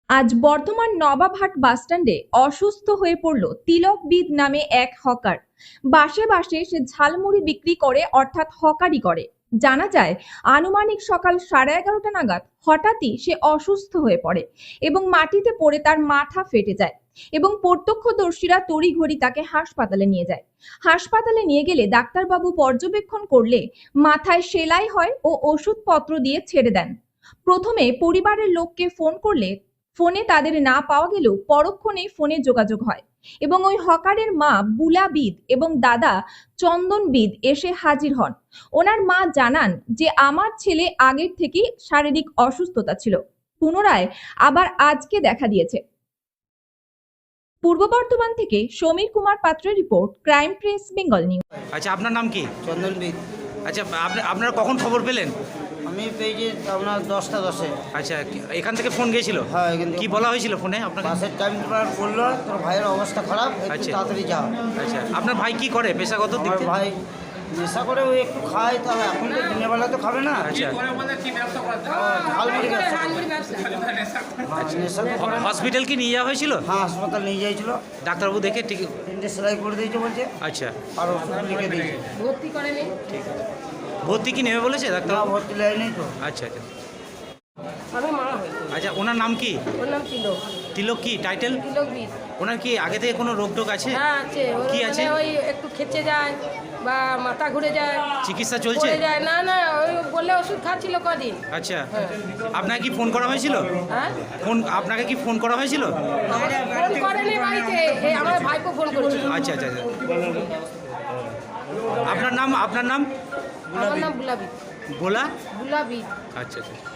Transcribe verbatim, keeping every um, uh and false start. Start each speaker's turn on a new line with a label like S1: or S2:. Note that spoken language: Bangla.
S1: আজ বর্ধমান নবাবহাট বাসস্ট্যান্ডে অসুস্থ হয়ে পড়ল তিলকবিদ নামে এক হকার। বাসে বাসে সে ঝালমুড়ি বিক্রি করে, অর্থাৎ হকারি করে। জানা যায় আনুমানিক সকাল সাড়ে এগারোটা নাগাদ হঠাৎই সে অসুস্থ হয়ে পড়ে এবং মাটিতে পড়ে তার মাথা ফেটে যায় এবং প্রত্যক্ষদর্শীরা তড়িঘড়ি তাকে হাসপাতালে নিয়ে যায়। হাসপাতালে নিয়ে গেলে ডাক্তারবাবু পর্যবেক্ষণ করলে মাথায় সেলাই হয় ও ওষুধপত্র দিয়ে ছেড়ে দেন। প্রথমে পরিবারের লোককে ফোন করলে ফোনে তাদের না পাওয়া গেলেও পরক্ষণে ফোনে যোগাযোগ হয় এবং ওই হকারের মা বুলা বিদ এবং দাদা চন্দন বিদ এসে হাজির হন। ওনার মা জানান যে আমার ছেলে আগের থেকেই শারীরিক অসুস্থতা ছিল, পুনরায় আবার আজকে দেখা দিয়েছে। পূর্ব বর্ধমান থেকে সমীর কুমার পাত্রের report, crime press Bengal news.
S2: আচ্ছা, আপনার নাম কি?
S3: চন্দন বিদ।
S2: আচ্ছা, আপনি আপনারা কখন খবর পেলেন?
S3: আমি পেয়েছি আপনার দশটা দশে।
S2: আচ্ছা, কি- এখান থেকে ফোন গিয়েছিল?
S3: হ্যাঁ, এখান থেকে
S2: কি বলা হয়েছিল ফোনে আপনাকে?
S3: বাসের টাইম টেবিল বললো তোর ভাইয়ের অবস্থা খারাপ, একটু
S2: আচ্ছা।
S3: তাড়াতাড়ি যাও।
S2: আচ্ছা, আপনার ভাই কি করে পেশাগত দিক
S3: আমার
S2: থেকে?
S3: ভাই নেশা করে ওই একটু খায়, তবে এখন তো দিনের বেলা তো খাবে না।
S2: আচ্ছা,
S3: ঝালমুড়ি ব্যবসা করে। হ্যাঁ, নেশা তো করে না।
S2: হসপিটাল কি নিয়ে যাওয়া হয়েছিল?
S3: হ্যাঁ, হাসপাতাল নিয়ে যাইছিল।
S2: ডাক্তারবাবু দেখে ঠিক?
S3: তিনটে সেলাই করে দিয়েছে বলছে,
S2: আচ্ছা,
S3: আর ওষুধ লিখে দিয়েছে।
S1: ভর্তি করেনি?
S2: ঠিক আছে। ভর্তি কি নেবে বলেছে ডাক্তার?
S3: না, ভর্তি লাইনেই তো।
S2: আচ্ছা আচ্ছা
S4: আমি মা হই।
S2: আচ্ছা, ওনার নাম কি?
S4: ওর নাম তিলক।
S2: তিলক কি টাইটেল?
S4: তিলকবিদ।
S2: ওনার কি আগে থেকে কোনো রোগ টোগ আছে?
S4: হ্যাঁ আছে। ওর
S2: কি
S4: মানে
S2: আছে?
S4: ওই একটু খেচে যায় বা মাথা ঘুরে যায়,
S2: চিকিৎসা চলছে?
S4: পড়ে যায়। না না, ওই বললে ওষুধ খাচ্ছিল কদিন।
S2: আচ্ছা,
S4: হ্যাঁ।
S2: আপনাকে কি ফোন করা হয়েছিল?
S4: হ্যাঁ,
S2: ফোন আপনাকে কি ফোন করা হয়েছিল?
S4: ফোন করেনি বাড়িতে, এই আমার ভাইপো ফোন করেছিল।
S2: আচ্ছা আচ্ছা আচ্ছা আপনার নাম? আপনার নাম?
S4: আমার নাম বুলাবিদ।
S2: গোলা?
S4: বুলাবিদ।
S2: আচ্ছা আচ্ছা